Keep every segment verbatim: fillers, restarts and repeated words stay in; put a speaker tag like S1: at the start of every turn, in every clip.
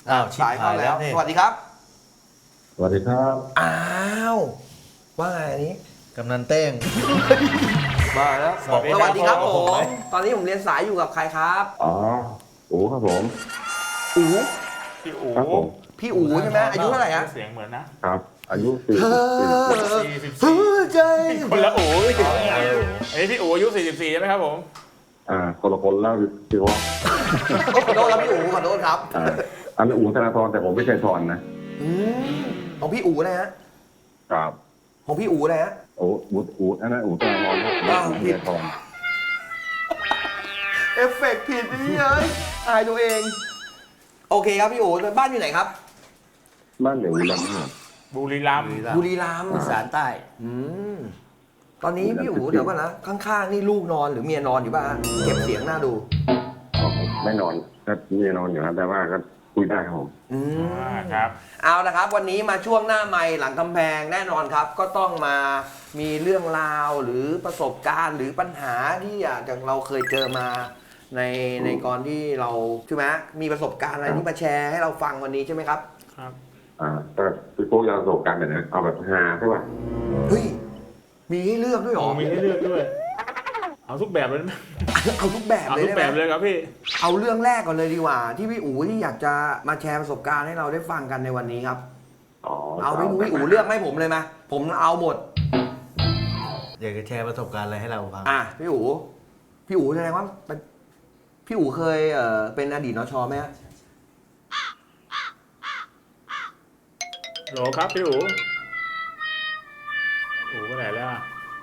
S1: อ้าวชิบ
S2: สาย
S1: หา
S2: เข้าย
S1: แล้
S2: แล้ว ว
S1: นี่
S2: สวัสดีครับ
S3: สวัสดีครับ
S2: อ้าวว่าไงอันนี้
S1: กำนันเต้ง
S2: มาแล้ว
S1: สวัสดี
S2: สวัสดีครับ
S1: ครับ
S2: ผ
S1: ผม
S2: มตอนนี้ผมเรียนสายอยู่กับใครครับ
S3: อ๋ออู๋ครับผม
S2: อู๋
S4: พี่อู๋
S3: ครับผม
S2: พี่อู๋ใช่ไหมอายุเท่าไหร่ฮะ
S4: เสียงเหมือนนะ
S3: ครับ อายุสี่
S2: เอ
S3: สิบ
S2: อ
S4: สี่สิบสี่
S2: หัวใจ
S4: คนละอู๋
S1: อ๋อเออ
S4: อันนี้พี่อู๋อายุสี่สิบสี่ใช่ไหมครับผม
S3: อ่าคนละคนแล้วพี่ว่า
S2: ขอโทษครับพี่อู๋ขอโทษครับ
S3: อ่าอันนี้อู๋ธนาธรแต่ผมไม่ใช่ธรนะ
S2: อืมของพี่อู๋นะฮะ
S3: ครับ
S2: ของพี่อู๋นะฮะ
S3: โอ้อู๋อู๋อันนั้นอู๋ธนาธรครับ
S2: อ้าว
S3: ไม่ใช่ธร
S2: เอฟเฟกต์ผิดนี่เอ้ยอายตัวเอง โอเคครับพี่อู๋บ้านอยู่ไหนครับ
S3: บ้านเดี๋ยวลำเนี่ย
S4: บุรีรัมย์
S2: บุรีรัมย์
S1: อีสานใต้
S2: อืมตอนนี้พี่อู๋เดี๋ยวก่อนนะข้างๆนี่ลูกนอนหรือเมียนอนอยู่ป่ะฮะเก็บเสียงน่าดู
S3: อ๋อไม่นอนก็ไม่นอนอยู่นะแต่ว่าก็คุยได้ครับผม
S2: อืม
S4: อ่าครับ
S2: เอาละครับ วันนี้มาช่วงหน้าไมค์หลังกำแพงแน่นอนครับ ก็ต้องมามีเรื่องราวหรือประสบการณ์หรือปัญหาที่อาจจะเราเคยเจอมาในในก่อนที่เราใช่ไหมมีประสบการณ์อะไรที่มาแชร์ให้เราฟังวันนี้ใช่ไหมครับ
S4: ครับ
S3: อ่าก็พี่โก้ยาวประสบการณ์แบบนี้เอาแบบฮาใช่ป่ะ
S2: เฮ้ยมีให้เลือกด้วยเหรอ
S4: มีให้เลือกด้วย เอาทุกแบบเลยไหม
S2: เอาทุกแบบ
S4: เอา
S2: เลย
S4: ทุก
S2: ได้
S4: แบบ
S2: ไหม
S4: เลยครับพี่
S2: เอาเรื่องแรกก่อนเลยดีกว่า ที่พี่อู๋ที่อยากจะมาแชร์ประสบการณ์ให้เราได้ฟังกันในวันนี้ครับ
S3: อ๋อ
S2: เอาพี่อู๋พี่อู๋เลือกให้ผมเลยมาผมเอาหมด
S1: อยากจะแชร์ประสบการณ์อะไรให้เราฟัง
S2: อ่ะพี่อู๋พี่อู๋แสดงว่าเป็นพี่อู๋เคยเอ่อเป็นอดีตนชไหมฮะ
S4: โหลครับพี่อู๋อู๋ไปไหนแล้วอะ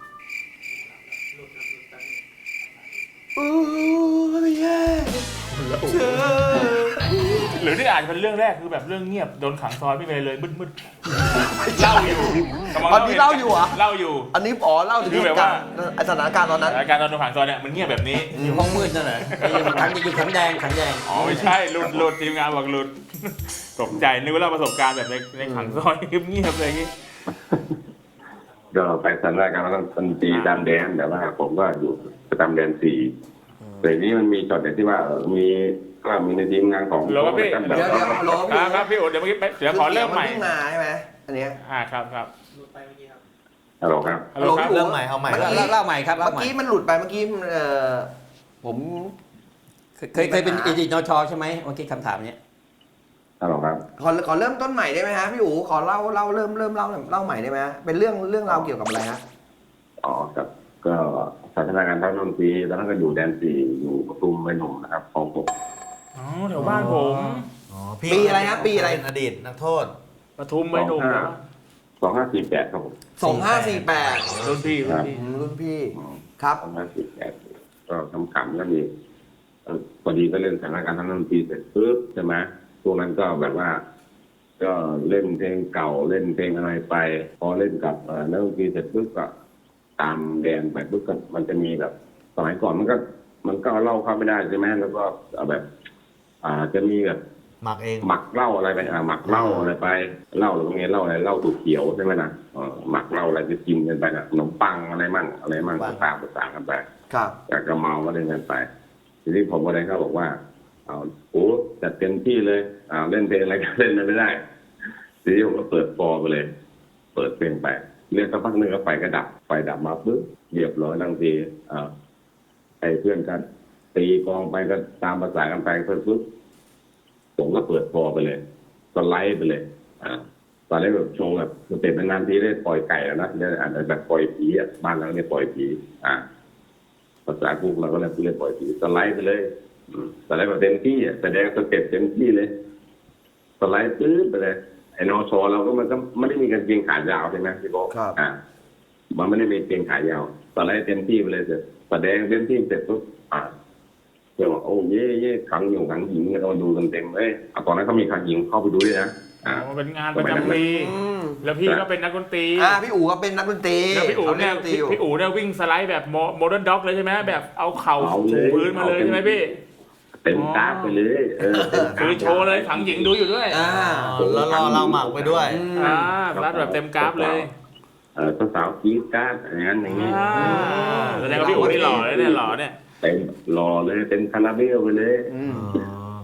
S2: อู้ยแย่
S4: แล้วอู๋หรือที่อ่านเป็นเรื่องแรกคือแบบเรื่องเงียบโดนขังซอยไม่เลยเลยมืดๆเล่าอยู่กำลัง
S2: ตอนนี้เล่าอยู่เหรอ
S4: เล่าอยู่
S2: อันนี้อ๋อเล่าถึง
S4: คือแบบว่า
S2: สถานการณ์ตอนนั้น
S4: รายการตอนโดนขังซอยเนี่ยมันเงียบแบบนี้
S1: อยู่ห้องมืดนั่นแหละอยู่ขังอยู่ขังแดงขังแดง
S4: อ๋อไม่ใช่หลุดหลุดทีมงานบอกหลุดตกใจนึกว่าเล่าประสบการณ์แบบในในขังซอยเงียบๆอะไรอย่างงี้
S3: ก็ไปสถานการณ์นั้นมันตีตามแดนแต่ว่าผมก็อยู่ประจำแดนสี่แต่นี้มันมีช็อตเด็ดที่ว่าเออมีก็มีในทีมงานของ
S4: โหลครับพี่
S3: แบบ
S2: เดี๋ยวเดี๋ยวฮัลโหล
S4: ค
S2: พี่
S4: รับครับพี่โอ๋เดี๋ยวเมื่อกี้ไปเดี๋ยวขอเริ่มใหม่
S2: นพิ่งมาใช่ไหมอันเนี้ย
S4: อ่าครับครับ
S3: ฮัลโหลครับ
S4: ฮัลโหลครับ
S2: พี่
S1: เริ่มใหม่เอาใหม่
S2: เมื่อกี้
S1: เล่าเล่าใหม่ครับ
S2: เมื่
S1: เล่า
S2: อ
S1: ใหม่
S2: กี้มันหลุดไปเมื่อกี้เอ่อผม
S1: เคยเคยเป็นอดีตนชใช่ไหมเมื่อกี้คำถามเนี้ย
S3: ฮัลโหลครับ
S2: ขอขอเริ่มต้นใหม่ได้ไหมฮะพี่อู๋ขอเล่าเล่าเริ่มเริ่มเล่าเล่าใหม่ได้ไหมฮะเป็นเรื่องเรื่องราวเกี่ยวกับอะไรฮะ
S3: อ๋อครับก็สถานการณ์ท่านนนทรีตอนนั้นก็อยู่แดนสี่อยู่ปทุมไปหนุ่มนะครับของผม
S4: อ๋อแถวบ้านผม
S1: อ๋อ
S2: ปีอะไรฮะปีอะไร
S1: เป็นอดีตนักโทษ
S4: ปทุมไม่หนุ่มนะ
S3: สองห้าสี่แปดครับผม
S2: สองห้าสี่แปด
S4: รุ่นพี่รุ่นพี่
S2: รุ่นพี่ครับ
S3: สองห้าสี่แปดก็ทำขำก็มีเอ่อพอดีก็เล่นสถานการณ์ท่านนนทรีเสร็จปุ๊บใช่ไหมพวกนั้นก็แบบว่า ก็เล่นเพลงเก่าเล่นเพลงอะไรไป พอเล่นกับเอ่อนักดนตรีเสร็จปุ๊บก็ตามแดนไปปุ๊บก็มันจะมีแบบสมัยก่อนมันก็ มันก็เอาเหล่าเข้าไม่ได้ใช่ไหมแล้วก็เอาแบบ อ่าจะมีแบบ
S1: หมักเอง
S3: หมักเหล้าอะไรไปอ่าหมักเหล้าอะไรไปเหล้าหรือว่าไงเหล้าอะไรเหล้าถูกเขียวใช่ไหมนะเออหมักเหล้าอะไรจะกินกันไปนะขนมปังอะไรมั่งอะไรมั่งก็ตามภาษากันไป
S2: ครับ
S3: อยากจะเมาก็เล่นกันไป ทีนี้ผมก็เลยเขาบอกว่าเอาโอ้จัดเต็มที่เลยอ่าเล่นเพลงอะไรก็เล่นไม่ได้ ทีนี้ผมก็เปิดฟอร์ไปเลย เปิดเพลงไปเรียกสักพักหนึ่งก็ไฟก็ดับไฟดับมาปุ๊บเรียบร้อยทันทีอ่าไอ้เพื่อนกันตีกองไปก็ตามภาษากันไปปุ๊บผมก็เปิดฟอร์ไปเลยสไลด์ไปเลยอ่าตอนแรกแบบโชว์แบบสเต็ปนานๆทีได้ปล่อยไก่แล้วนะเนี่ยอาจจะแบบปล่อยผีอ่ะบ้านเราเนี่ยปล่อยผีอ่า ภาษาพวกเราก็เลยเรียกปล่อยผีสไลด์ไปเลยอืมสไลด์แบบเต็มที่อ่ะแสดงสเต็ปเต็มที่เลยสไลด์ปื๊ดไปเลยไอ้นอชอเราก็มันก็ไม่ได้มีกางเกงขายาวใช่ไหมพี่โบ๊คอ่ามันไม่ได้มีกางเกงขายาวสไลด์เต็มที่ไปเลยเสร็จแสดงเต็มที่เสร็จปุ๊บอ่าเพื่อนบอกโอ้เย่เย่ขังอยู่ขังหญิงเราดูกันเต็มเลยอ่ะตอนนั้นเขามีขังหญิงเข้าไปดูด้วยนะ
S4: อ๋
S3: อ่า
S4: อเป็นงานประจำปี
S2: อืม
S4: แล้วพี่ก็เป็นนักดนตรี
S2: อ่าพี่อู๋ก็เป็นนักดนตรี
S4: แล้วพี่อู๋เนี่ย
S2: ขาล่ดนตรี
S4: พี่
S2: อยู่
S4: พี่อู๋เนี่ยวิ่งสไลด์แบบโมเดิร์นด็อกเลยใช่ไหมแบบเอาเข่าถูพื้นมาเลยใช่ไหมพี่
S3: เต็มกราฟไปเลยเออเต็มกราฟ
S4: คือโชว์เลยขังหญิงดูอยู่ด้วย
S2: อ่า
S1: อ๋อแล้วรอเราหมักไปด้วย
S2: อืม
S4: อ่าสไลด์แบบเต็มกราฟเลย
S3: เออสาวๆกรี๊ดกราฟอย่างนั้นอย่างนี้
S4: อ่าแสดงว่าพี่อู๋นี่หล่อเลยเนี่ยหล่อเนี่ย
S3: เต็มรอเลยเต็มคาราเบลไปเลย
S2: อืม
S1: อ๋อ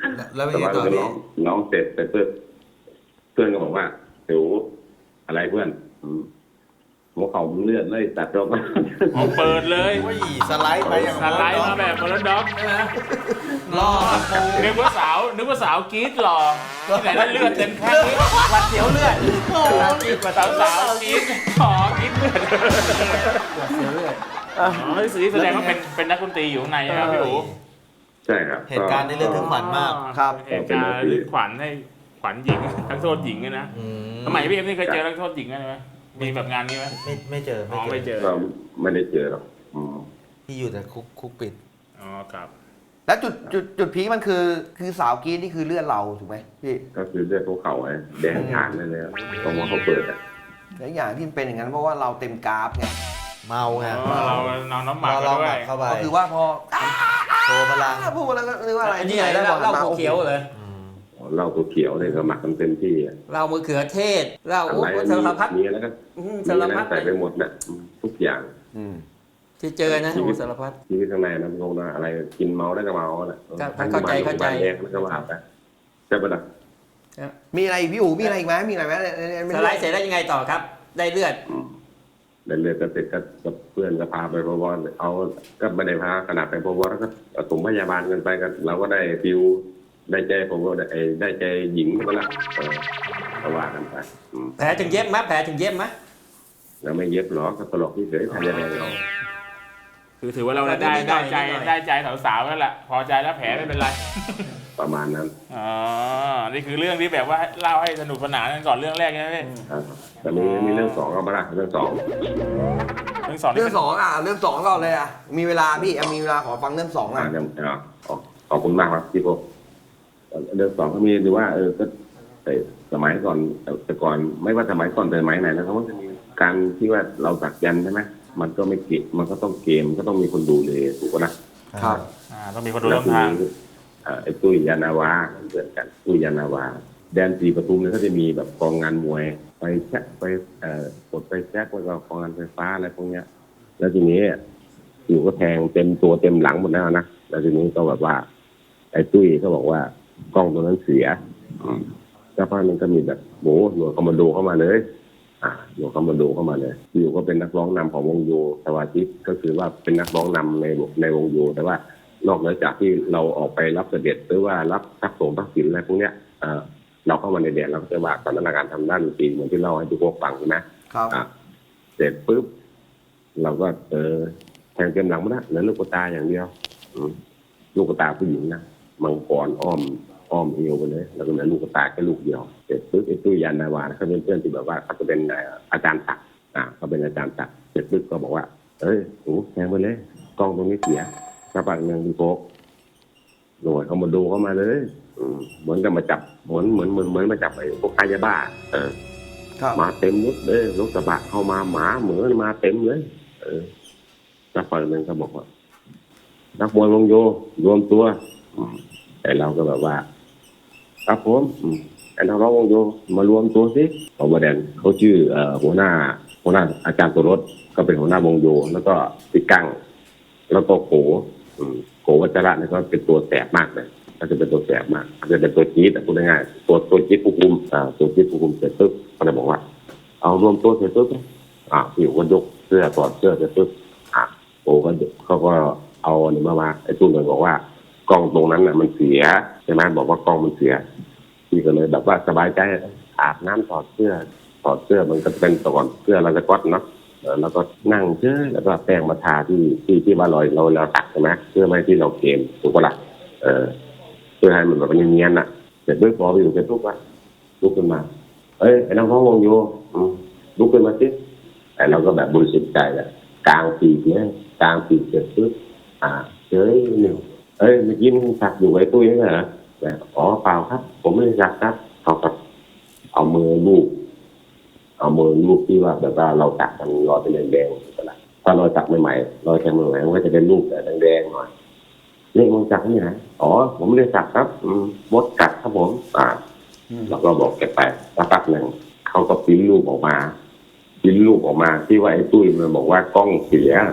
S5: แล้วเป็น
S3: แต่
S5: ไง
S3: ว่า
S5: ต่อ
S3: เรา
S5: พี่
S3: ร้องร้องเสร็จแต่เพื่อนเพื่อนก็บอกว่าเดี๋ยวอะไรเพื่อนอืมหัวเข่ามันเลื่อนเลยตัดรอบมา
S4: ออกเปิดเลย
S5: ว่าหยีสไลด์ไปอย่าง
S4: สไลด์มาแบบบอลด็อกใช่ไหม
S5: ล่อตะปู
S4: นึกว่าสาวนึกว่าสาวกรี๊ดหล่อที่ไหนได้เลือดเต็มแข้งนี้
S1: หวัดเสียวเลือด
S4: กรี๊ดกว่าสาวสาวกรี๊ดอ๋อกรี๊ดเลือด
S1: หวัดเสียวเลือด
S4: อ๋อที่สีแสดงว่าเป็นเป็นนักดนตรีอยู่ข้างในนะครับพี่อู๋
S3: ใช่ครับ
S5: เหตุการณ์ในเรื่องถึงขวัญมาก
S2: ครับ
S4: เหตุการณ์ลึกขวัญให้ขวัญหญิงทั้งโทษหญิงด้วยนะ
S5: อืม
S4: สมัยพี่เอ็มนี่เคยเจอนักโทษหญิงไหมมีแบบงานนี้ไหม
S5: ไม่ไม่เจอ
S4: อ๋อไม่เจอ
S3: เราไม่ได้เจอหรอกอืม
S5: ที่อยู่แต่คุกคุกปิด
S4: อ๋อครับ
S2: แล้วจุดจุดจุดพีคมันคือคือสาวกรีดนี่คือเลือดเราถูกไหมพี่
S3: ก็คือเลือดภูเขาไอ้แดงฉานเลยเลยตรงว่าเขาเปิดอ่ะ
S2: และอย่างที่มันเป็นอย่างนั้นเพราะว่าเราเต็มกราฟไง
S5: เมาไง
S4: อ๋อเราเราน้ำหมัก
S5: เรา
S4: ด้
S5: ห
S4: ว
S5: มั
S4: ย
S5: กเข้าไป
S2: ก็คือว่าพอ
S5: โชว์พลัง
S2: พูดแล้วก็นึกว่าอะไร
S1: อันนี้
S2: ที่
S1: อะไร
S2: ได้
S1: เหล้าเหล้า
S2: มา
S1: เขียวเลย
S5: อืม
S3: เหล้าตัวเขียวเลยก็หมักกันเต็มที่อะ
S1: เหล้ามะเขือเทศเหล้า
S3: อะ
S1: โอ้
S3: ไร
S1: โหสารพัด
S3: มีอะไรก็
S1: อืม
S3: มี
S1: สาร
S3: อะไร
S1: พัด
S3: ใส่ไปหมดน่ะอืมทุกอย่าง
S2: อืม
S1: ที่เจอนะโอ้โหสารพัด
S3: ชีวิตข้างในนะงงนะอะไรกินเมาได้ก็เมาน่ะ
S1: ครับ
S3: ทั้ง
S1: เข้าใจเข้าใจ
S3: บ้นแดงแล้วก็ว่าไปใช่ปะล่ะ
S2: มีอะไรอีกพี่อู๋มีอะไรอีกไหมมีอะไรไหมเนี่ยเนี่ย
S1: ส
S2: เนี่ย
S1: ไลด์เสร็จแล้วยังไงต่อครับ ได้เลือด
S3: อืมแล้วเลือดก็เสร็จก็กับเพื่อนก็พาไปพบเอาก็ไม่ได้พาขนาดไปพบแล้วก็เอาส่งพยาบาลกันไปกันเราก็ได้ฟิวได้ใจผมก็ได้ได้ใจหญิงก็ละเออก็ว่ากันไปอืม
S1: แผลถึงเย็บไหมแผลถึงเย็บไหม
S3: แล้วไม่เย็บหรอกก็ตลกเฉยๆทำยังไงเรา
S4: คือถือว่าเราได้ได้ใจได้ใจสาวๆแล้วแหละพอใจแล้วแผลไม่เป็นไร
S3: ประมาณนั้น
S4: อ๋อ นี่คือเรื่องที่แบบว่าเล่าให้สนุกสนานกันก่อนเรื่องแรกใช่ไหมพี่
S3: ครับแต่มีมีเรื่องสองก็มาละเรื่องสอง
S4: เรื่องสองนี่
S2: เรื่อ
S4: เป็
S2: ง
S4: น
S2: สองอ่ะเรื่องสองก่อนเลยอ่ะมีเวลาพี่อ่ะมีเวลาขอฟังเรื่องสอง
S3: อ่า
S2: อ่ะ
S3: เรื่องอ่าขอบขอบคุณมากครับพี่โกเรื่องสองก็มีดูว่าเออก็แต่สมัยก่อนแต่ก่อนไม่ว่าสมัยก่อนแต่สมัยไหนนะเขาก็จะมีการที่ว่าเราสักยันต์ใช่ไหมมันก็ไม่เก็บมันก็ต้องเกมก็ต้องมีคนดูเลยถูกปะนะครับ
S4: อ่าต้องมีคนดู
S3: แล้ว
S4: ต้น
S3: ที
S4: ทาง
S3: นี้เอ่อไอ้ตุ้ยยานาวาเพื่อนกันตุ้ยยานาวา แดนสีปทุมเนี่ยเขาจะมีแบบกองงานมวยไปแช็คไปเอ่อกดไปแช็คแล้วก็กองงานไฟฟ้าอะไรพวกเนี้ย แล้วทีนี้อยู่ก็แทงเต็มตัวเต็มหลังหมดแล้วนะแล้วทีนี้ก็แบบว่า ไอ้ตุ้ยก็บอกว่ากล้องตัวนั้นเสียอืมแล้วพอมันก็มีแบบโหหน่วยคอมมานโดเข้ามาเลย อ่าหน่วยคอมมานโดเข้ามาเลยอยู่ก็เป็นนักร้องนำของวงโยสวาทิตก็คือว่าเป็นนักร้องนำในในวงโยแต่ว่านอกเหนือจากที่เราออกไปรับเสด็จหรือว่ารับทักสงทักษิณอะไรพวกเนี้ยเออเราเข้ามาในเดียเราก็จะว่าสถานการณ์ทำด้านดนตรีเหมือนที่เล่าให้ทุกคนฟังใช่ไหม
S2: ครับ
S3: อ่ะเสร็จปุ๊บเราก็เออแทงเต็มหลังมาแล้วเหลือลูกตาอย่างเดียวอืมลูกตาผู้หญิงนะมังกรอ้อมอ้อมเอวไปเลยแล้วก็เหลือลูกตาแค่ลูกเดียวเสร็จปุ๊บไอ้ตุ้ยยานนาวาเขาเป็นเพื่อนที่แบบว่าเขาจะเป็นเอ่ออาจารย์ศักดิ์อ่าเขาเป็นอาจารย์ศักดิ์เสร็จปุ๊บก็บอกว่าเอ้ยโอ้แทงไปเลยกล้องตรงนี้เสียกระปังหนึ่งดีโฟกหน่วยเขามาดูเข้ามาเลยอืมเหมือนกับมาจับเหมือนเหมือนเหมือนเหมือนมาจับไอ้พวกค้ายาบ้าเออ
S2: ครับ
S3: มาเต็มรถเลยรถกระบะเข้ามาหมาเหมือมาเต็มเลย เออสักฝั่งหนึ่งก็บอกว่านักมวยวงโยรวมตัวอืมไอ้เราก็แบบว่าครับผมอืมไอ้นักร้องวงโยมารวมตัวสิเพราะว่าแดนเขาชื่อเอ่อหัวหน้า หัวหน้าอาจารย์ตัวรถก็เป็นหัวหน้าวงโยแล้วก็ติกั้งแล้วก็โขอืมโขวัชระเนี่ยก็เป็นตัวแสบมากเลยก็จะเป็นตัวแสบมากก็จะเป็นตัวจี๊ดแต่พูดง่ายๆตัวตัวจี๊ดผู้คุมอ่าตัวจี๊ดผู้คุมเสร็จปุ๊บก็เลยบอกว่า เอารวมตัวเสร็จปุ๊บอ่าผิวก็ยกเสื้อถอดเสื้อเสร็จปุ๊บอ่าโอ้ก็เขาก็เอาอันนี้มามาไอ้ตู้เลยบอกว่ากล้องตรงนั้นน่ะมันเสียใช่ไหมบอกว่ากล้องมันเสียพี่ก็เลยแบบว่าสบายใจอาบน้ำถอดเสื้อถอดเสื้อมันก็เป็นตอนเสื้อเราจะก๊อตเนาะเออแล้วก็นั่งเชื่อแล้วก็แป้งมาทาที่ที่ที่ว่าเราเราเราตักใช่ไหมเพื่อไม่ให้ที่เราเกมถูกปะล่ะเออเพื่อให้มันแบบเนียนๆน่ะเสร็จปุ๊บพอไปอยู่เสร็จปุ๊บว่าลุกขึ้นมาเอ้ยไอ้น้องพ่อวงอยู่อืมลุกขึ้นมาสิไอ้เราก็แบบบริสุทธิ์ใจแหละกลางปีกเนี่ยกลางปีกเสร็จปุ๊บอ่าเฮ้ยหนึ่งเอ้ยเมื่อกี้มึงสักอยู่ไว้ตุ้ยนี่เหรอแบบอ๋อเปล่าครับ ผมไม่ได้สักครับเขาก็เอามือลูบเอามือลูบที่ว่าแบบว่าเราตักมันรอยเป็นแดงๆอะไรถ้าเราตักใหม่ๆรอยแทงใหม่ๆมันก็จะเป็นรูปแบบแดงๆหน่อยนี่มึงสักนี่ไหนอ๋อผมไม่ได้สักครับอืมมดกัดครับผมอ่าเราก็บอกแกไปสักพักหนึ่งเขาก็พิมพ์รูปออกมาพิมพ์รูปออกมาที่ว่าไอ้ตุ้ยมันบอกว่ากล้องเสีย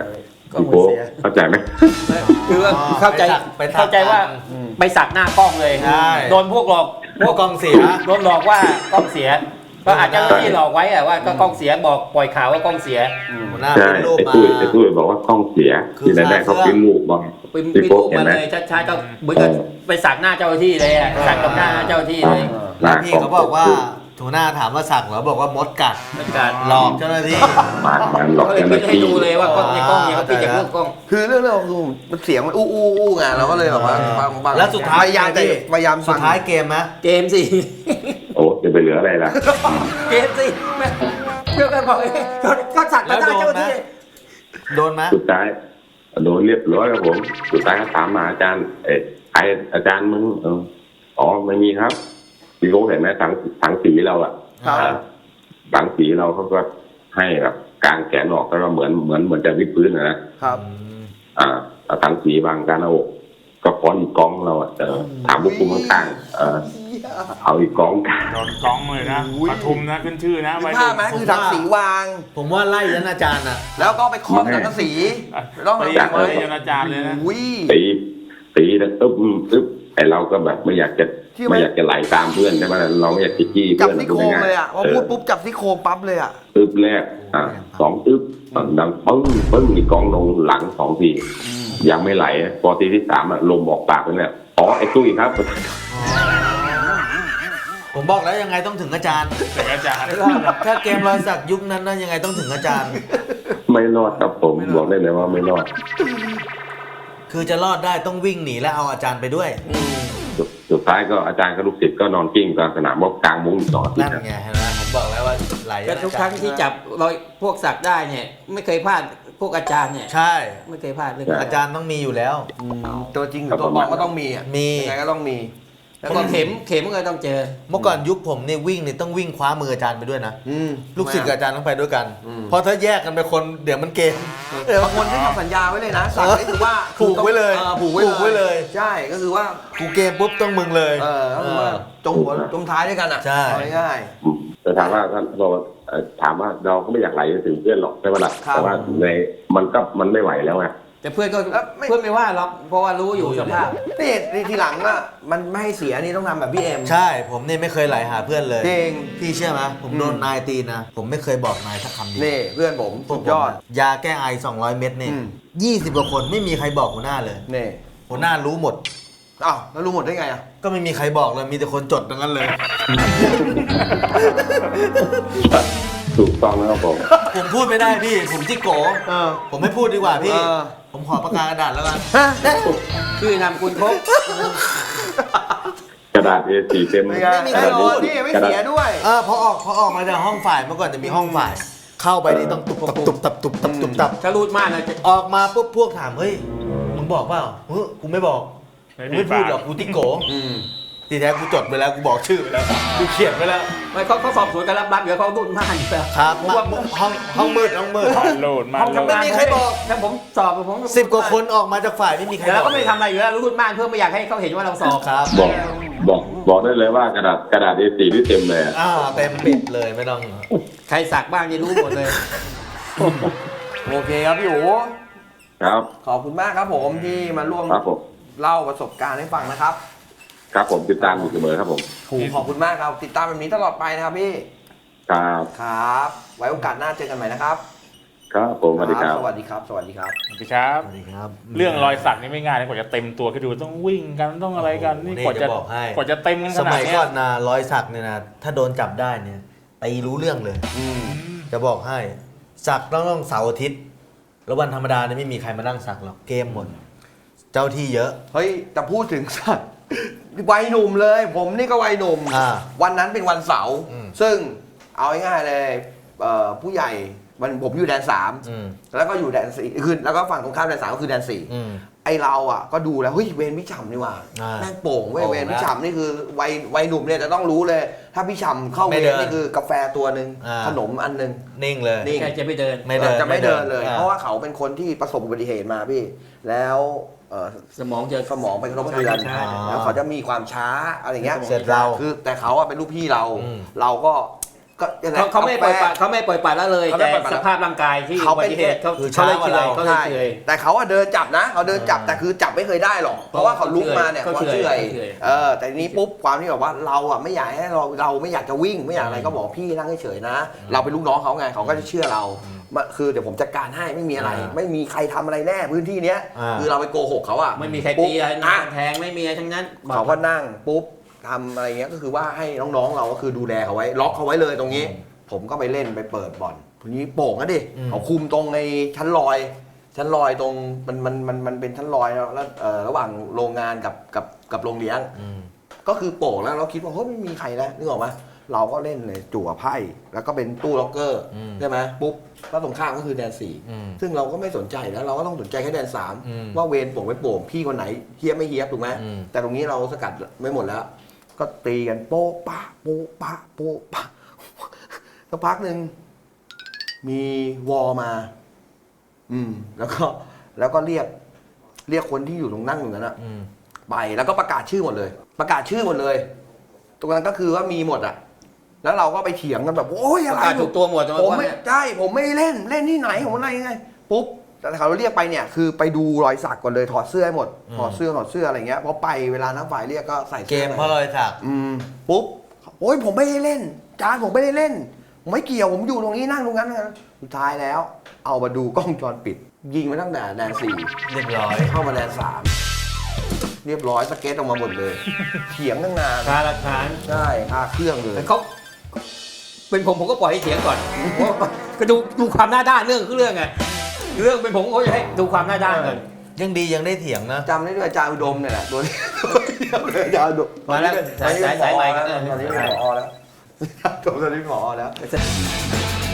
S1: ก็
S3: พี่
S1: มื
S3: โก้
S1: อเสีย
S3: เข้าใจไหม
S1: คือว่า
S5: อ๋อ
S1: เข้าใจ
S5: ไปสัก
S1: เข้าใจว่า
S5: อืม
S1: ไปสักหน้ากล้องเลย
S5: ใช่
S1: โดนพวกหลอก
S5: พวกกองเสีย
S1: โดนหลอกว่ากล้องเสีย ก็อาจจะที่หลอกไว้อะว่าก็กล้องเสียบอกปล่อยข่าวว่ากล้องเสีย
S5: หัวหน้า
S3: ใช่
S5: เป็นรูป
S3: ไอ้
S5: มา
S3: ตุ้ยไอ้ตุ้ยบอกว่ากล้องเสีย
S5: คือ
S3: ที่แรกๆเขา
S5: ขาเครื่อง
S3: พิมพ์รูปบอก
S1: เป็น
S3: พี่
S1: เป็น
S3: โก้
S1: รูป
S3: เห็น
S1: มา
S3: ไหม
S1: เลยชัดๆก็เหมือนกับไปสักหน้าเจ้าหน้าที่เลยอะสักกับหน้าเจ้าหน้าที่เลย
S5: แล้วพี่เขาบอกว่าหัวหน้าถามว่าสักเหรอบอกว่ามดกัด
S1: เป็นการ
S5: หลอกเจ้าหน้าที่
S3: มามาหลอก
S1: เขาเลย
S3: เจ้าห
S1: พิ
S3: น้าม
S1: พ์ให้
S3: ที่
S1: ดูเลยว่ากล้องในกล้องเนี่ยเขาพิมพ์จากรูปกล้อง
S2: คือเรื่องเรื่องคือมันเสียงมันอู้อู้อู้ไงเราก็เลยแบบว่าบางบาง
S5: แล้วสุดท้าย
S2: พยายามจะ
S5: พี่
S2: พยายาม
S5: สุ
S2: ฟั
S5: ด
S2: ง
S5: ท้ายเกมไหม
S1: เกมสิ
S3: โอ้จะไปเหลืออะไรล่ะ
S1: เกมสิแม่เพื่อนกันบอกเอ้ยเขาเขาสักกับหน้าเจ้าหน้าที่
S5: โดนไหม
S3: สุดท้ายโดนเรียบร้อยครับผมสุดท้ายก็ถามมาอาจารย์เออไออาจารย์มึงเอออ๋อไม่มีครับพี่โก้เห็นไหมถังถังสีเราอะ
S2: ครับ
S3: อ่าถังสีเราเขาก็ให้แบบกางแขนออกแล้วก็เหมือนเหมือนเหมือนจะวิดพื้นนะนะครับ อ่าเอาถังสีบางการเอาอกก็ป้อนอีกกองเราอะเออถามพวกคุณข้างๆเออเอาอีกกองกลาง
S4: โดนกล้องเลยนะปทุมนะขึ้นชื่อนะ
S2: มี
S4: วัย
S2: ภา
S4: รุ่
S2: พ
S4: น
S2: ไหมคือถังสีวาง
S5: ผมว่าไล่ยันอาจารย์อ่ะ
S2: แล้วก็ไปครอบสังกะสีต้อง
S4: ตี
S2: ทำยังไง
S4: ไว้ยนอาจารย์เลยนะ
S2: อุ้ย
S3: ตีตีแล้วอึ๊บอึ๊บไอเราก็แบบไม่อยากจะ
S2: ที่ไม่
S3: ไม่อยากจะไหลตามเพื่อนใช่ไหมเราไม่อยากจะจี้
S2: จับ
S3: เพื่อน
S2: ที่โครงเลยอ่ะพอ
S3: เอ
S2: พู
S3: อ
S2: ดปุ๊บจับที่โครงปั๊บเลยอ่ะ
S3: อึ๊บแรกอ่ะสองอึ๊บดังปึ้งปึ้งอีกกองลงหลังสองทียังไม่ไหลพอทีที่สามอะลมออกปากไปแล้วอ๋อไอ้ตุ้ยครับ
S5: ผมบอกแล้วยังไงต้องถึงอาจารย์
S4: แต่อาจารย์
S5: ถ้าเกมรอยสักยุคนั้นนะยังไงต้องถึงอาจารย์
S3: ไม่รอดครับผมบอกได้เลยว่าไม่รอด
S5: คือจะรอดได้ต้องวิ่งหนีและเอาอาจารย์ไปด้วย
S3: สุดสุดท้ายก็อาจารย์กับลูกศิษย์ก็นอนกิ้งกลางสนามรบกลางมุ้งอีกสองอาทิต
S5: นั่น
S3: ย์นะ
S5: ไงเห็นไหมผมบอกแล้วว่าไหล
S1: ก็ทุกครั้งที่จับรอยพวกสักได้เนี่ย ไม่เคยพลาดพวกอาจารย์เนี่ย
S5: ใช่
S1: ไม่เคยพลาดเลย
S5: อาจารย์ต้องมีอยู่แล้ว
S2: ตัวจริงหรือตัวปลอมก็ต้องมีอ่ะ
S5: มี
S2: ยังไงก็ต้องมี
S1: แล้วก็เข็มเข็มก็ต้องเจอ
S5: เมื่อก่อนยุคผมนี่วิ่งนี่ต้องวิ่งคว้ามืออาจารย์ไปด้วยนะ
S2: อืม
S5: ลูกศิษย์กับอาจารย์ต้องไปด้วยกัน
S2: อืม
S5: เพราะถ้าแยกกันไปคนเดี๋ยวมันเกม
S2: บางคนที่ทำสัญญาไว้เลยนะสั่งนี่คือว่า
S5: ผูกไว้เลย
S2: ออผูกไว้
S5: ผูกไว้เลย
S2: ใช่ก็คือว่า
S5: กูเกมปุ๊บต้องมึงเลย
S2: เออก็คือว่าจงหัวจงท้ายด้วยกันอ่ะ
S5: ใช่
S2: เอาง่าย
S3: อืมแต่ถามว่าท่านบอกว่าเอ่อถามว่าเราก็ไม่อยากไหลถึงเพื่อนหรอกใช่ไหมล่ะ
S2: ครับ
S3: แต่ว่าในมันก็มันไม่ไหวแล้วไง
S1: แต่เพื่อนก็
S2: แล้วไม่
S1: เพื่อนไม่ว่าหรอกเพราะว่ารู้อยู่สภาพ
S2: ๆนี่นี่ทีหลังอ่ะมันไม่ให้เสียนี่ต้องทำแบบพี่เอ็ม
S5: ใช่ผมนี่ไม่เคยไหลหาเพื่อนเลย
S2: จริง
S5: พี่เชื่อไหมผมโดนนายตีนะ ผมไม่เคยบอกนายสักคำเดียว
S2: นี่เพื่อนผม
S5: พว
S2: สุ
S5: ก
S2: ด
S5: ผม
S2: ยอด
S5: อะยาแก้ไอสองร้อยเม็ดนี่
S2: อืม
S5: ยี่สิบกว่าคนไม่มีใครบอกหัวหน้าเลย
S2: นี่
S5: หัวหน้ารู้หมด
S2: อ้าวแล้วรู้หมดได้ไงอ่ะ
S5: ก็ไม่มีใครบอกเลยมีแต่คนจดดังนั้นเลย
S3: ถูกต้องแล้วครับผม
S5: ผมพูดไม่ได้พี่ ผมจิโก
S2: เออ
S5: ผมไม่พูดดีกว่าพี่
S2: เออ
S5: ผมขอประกาศกระดาษแล้วกัน
S2: ฮะ
S1: ชื่อนามคุณครบ
S3: กระดาษ เอ สี่ เต็ม
S2: ไม่ไง
S5: ไม่มีใคร
S2: แน่น
S5: รู้
S2: อนนี่ไม่เสียด้วย
S5: เออพอออกพอออกมาจากห้องฝ่ายเมื่อก่อนจะมีห้องฝ่าย เข้าไปนี่ต้องตุบตับตุบตับตุบตับตุบตับ
S1: ถ้ารูดมากนะจะ
S5: ออกมาปุ๊บพวกถามเฮ้ยมึงบอกเปล่าเฮ้ยกูไม่บอกกูไม่พูดหรอกกูติโก
S2: อืม
S5: ทีแท้กูจดไปแล้วกูบอกชื่อไปแล้วกูเขียนไปแล้ว
S1: ไม่เขาเขาสอบสวนกันรับรับเดี๋ยวเขารูดมากอยู่แล้ว
S5: ครับ
S1: เพราะว่า
S5: ห้องห้องมืดห้องมืด
S4: โหลดมา
S1: ห้อง
S4: โหลด
S1: ทำงาน
S5: ไม่มีใครบอก
S1: ถ้าผมสอบผม
S5: สิบกว่าคนออกมาจากฝ่ายไม่มีใคร
S1: เดี๋ยว
S5: บ
S1: เรา
S5: อก
S1: ก็ไม่ทำอะไรอยู่แล้วรูดมากเพื่อไม่อยากให้เขาเห็นว่าเราสอบ
S5: ครับ
S3: บอกบอกบอกได้เลยว่ากระดาษกระดาษ เอ สี่ ที่เต็มเลยอะ
S5: อ่าเต็มปิดเลยไม่ต้อง
S1: ใครสักบ้างจะรู้หมดเลย
S2: โอเคครับพี่โอ
S3: ครับ
S2: ขอบคุณมากครับผมที่มาร่วม
S3: ครับผม
S2: เล่าประสบการณ์ให้ฟังนะครับ
S3: ครับผมติดตามอยู่เสมอครับผม
S2: โหขอบคุณมากครับ ติดตามแบบนี้ตลอดไปนะครับพี่
S3: ครับ
S2: ครับ ไว้โอกาสหน้าเจอกันใหม่นะครับ
S3: ครับผมสวัสดีครับ
S2: สวัสดีครับ สวัสดีครับ
S4: สวัสดีครับ
S5: สวัสดีครับ
S4: เรื่องรอยสักนี่ไม่ง่ายนะกว่าจะเต็มตัวคิดดูต้องวิ่งกันต้องอะไรกันนี่
S5: นี่
S4: กว่าจะ
S5: จะบอกให้
S4: กว่าจะเต็มกันข
S5: ส
S4: นาด
S5: มัย
S4: เนี้
S5: ก่
S4: ย
S5: อนนะรอยสักเนี่ยนะถ้าโดนจับได้เนี่ยตีรู้เรื่องเลย
S2: อืม
S5: จะบอกให้สักต้องต้องเสาร์อาทิตย์ แล้ววันธรรมดาเนี่ยไม่มีใครมานั่งสักหรอกเกมหมด เจ้าที่เยอะ
S2: เฮ้ยแต่พูดถึงสัตว์วัยหนุ่มเลย ผมนี่ก็วัยหนุ่ม
S5: อ่า
S2: วันนั้นเป็นวันเสาร์
S5: อืม
S2: ซึ่งเอาง่ายๆเลยเอ่อผู้ใหญ่มันผมอยู่แดนสาม
S5: อืม
S2: แล้วก็อยู่แดนสี่คือแล้วก็ฝั่งตรงข้ามแดนสามก็คือแดนสี่
S5: อืม
S2: ไอเราอ่ะก็ดูแล้วเฮ้ยเวรพี่ฉ่ำนี่หว่า
S5: อ่า
S2: แม่งโป่งเว้ย
S5: โป่ง
S2: เวรพี่
S5: แล้ว
S2: ฉ่ำนี่คือวัยวัยหนุ่มเนี่ยจะต้องรู้เลย ถ้าพี่ฉ่ำเข้า
S5: ไม่
S2: เว
S5: เดิ
S2: ร
S5: น
S2: นี่คือกาแฟตัวหนึ่ง
S5: อ่า
S2: ขนมอันหนึ่ง
S5: นิ่งเลย
S2: นี่
S1: ใครจะไปเดิน
S5: ไม่เดิน
S2: จะไม่เดินเลย
S5: อ่า
S2: เพราะว่าเขาเป็นคนที่ประสบอุบัติเหตุมาพี่ แล้วเอ่อ
S1: สมองจะ
S2: สมองเป็นกระทบกระเทือน
S1: ใช่
S2: แล้วเขาจะมีความช้าอะไรเงี้ย
S5: เสร็จเรา
S2: คือแต่เขาอะเป็นลูกพี่เรา
S5: อืม
S2: เราก็ก็ยังไง
S1: เขาเขาไม่ปล่อยปละเขาไม่ปล่อยปละละเลย
S2: เขาไม่
S1: แต่
S2: ปล่อยปละ
S1: สภาพร่างกายที่
S2: เขา
S1: อุบั
S2: เป็น
S1: ติเหตุเขา
S5: คือ
S1: เขาเลย
S5: ช้ากว่า
S1: เฉย
S5: เรา
S1: เขาเลย
S2: ใช่
S1: เฉย
S2: แต่เขาอะเดินจับนะเขาเดินจับแต่คือจับไม่เคยได้หรอกเพราะว่าเขาลุกมาเนี่ย
S1: เขา
S2: เขา
S1: เฉย
S2: เฉย
S1: เขาเฉย
S2: เออแต่ทีนี้ปุ๊บความที่แบบว่าเราอะไม่อยากให้เราเราไม่อยากจะวิ่งไม่อยากอะไรก็บอกพี่นั่งเฉยๆนะ เราเป็นลูกน้องเขาไงเขาก็จะเชื่อเรามาคือเดี๋ยวผมจัดการให้ไม่มีอะไร
S5: อ่า
S2: ไม่มีใครทำอะไรแน่พื้นที่เนี้ย
S5: อ่า
S2: คือเราไปโกหกเขาอะ
S1: ไม่มีใคร
S2: ปุ๊บ
S1: ตีอะไร
S2: อ่ะ
S1: แทงไม่มีอะไรทั้งนั้น
S2: เขาก็นั่งปุ๊บทำอะไรเงี้ยก็คือว่าให้น้องๆเราก็คือดูแลเขาไว้ล็อกเขาไว้เลยตรงนี้ ผมก็ไปเล่นไปเปิดบ่อนทีนี้โป่งนะดิ
S5: อืม
S2: เขาคุมตรงในชั้นลอย ชั้นลอยตรงมันมันมันมันเป็นชั้นลอยแล้วแล้วเอ่อระหว่างโรงงานกับกับกับโรงเลี้ยง
S5: อืม
S2: ก็คือโป่งแล้วเราคิดว่าเฮ้ยไม่มีใครแล้วนึกออกไหมเราก็เล่นเลยจั่วไพ่แล้วก็เป็นตู้ล็อกเกอร์
S5: อืม
S2: ใช่ไหมปุ๊บแล้วตรงข้ามก็คือแดนสี่
S5: อืม
S2: ซึ่งเราก็ไม่สนใจนะเราก็ต้องสนใจแค่แดนสาม
S5: อืม
S2: ว่าเวรโป่งไม่โป่งพี่คนไหนเฮียบไม่เฮียบถูกไหม
S5: อืม
S2: แต่ตรงนี้เราสกัดไม่หมดแล้ว ก็ตีกันโป๊ะปะโป๊ะปะโป๊ะปะสักพักหนึ่งมีวอมา อืม แล้วก็แล้วก็เรียก เรียกคนที่อยู่ตรงนั่งอยู่นั้นอะ
S5: อืม
S2: ไปแล้วก็ประกาศชื่อหมดเลย ประกาศชื่อหมดเลย ตรงนั้นก็คือว่ามีหมดอะแล้วเราก็ไปเถียงกันแบบโอ้ย
S1: ป
S2: อะ
S1: ระ
S2: ไร
S1: กาศถูกตัวหมด
S2: ผม
S1: ว่า
S2: ไม่
S1: เนี่ย
S2: ใช่ผมไม่ได้เล่นเล่นที่ไหนผมอะไรยังไงปุ๊บแต่เขาเรียกไปเนี่ยคือไปดูรอยสักก่อนเลยถอดเสื้อให้หมด
S5: อืม
S2: ถอดเสื้อถอดเสื้ออะไรเงี้ยพอไปเวลานักฝ่ายเรียกก็ใส่
S5: เก
S2: สื้อ
S5: ม
S2: ไป
S5: เพราะรอยสัก
S2: อืมปุ๊บโอ้ยผมไม่ได้เล่น จานผมไม่ได้เล่น ผมไม่เกี่ยวผมอยู่ตรงนี้นั่งตรงนั้นนะสุดท้ายแล้ว เอามาดูกล้องวงจรปิด ยิงมาตั้งแต่แดนสี่
S5: เรียบร้อย
S2: เข้ามาแดนสามเรียบร้อยสเก็ตออกมาหมดเลย เถียงตั้งนาน
S1: คาหลักฐาน
S2: ใช่คาเครื่องเลย
S1: แต่เขาเป็นผมผมก็ปล่อยให้เถียงก่อนก็ดูดูความหน้าด้านเรื่องคือเรื่องไงเรื่องเป็นผมก็จะให้ดูความหน้าด้านก่อน
S5: ยังดียังได้เถียงนะ
S2: จำได้ด้วยอาจารย์อุดมเนี่ยแหละตัวนี้เดียวเลยอาจารย์อุดม
S1: มาแล้ว
S2: ตอนนี้เป็น
S1: สายสาย
S2: ผอ
S1: ใหม่
S2: แล้ว
S1: เออ
S2: ตอนนี้เป็นผอแล้วตอนนี้เป็นผอแล้ว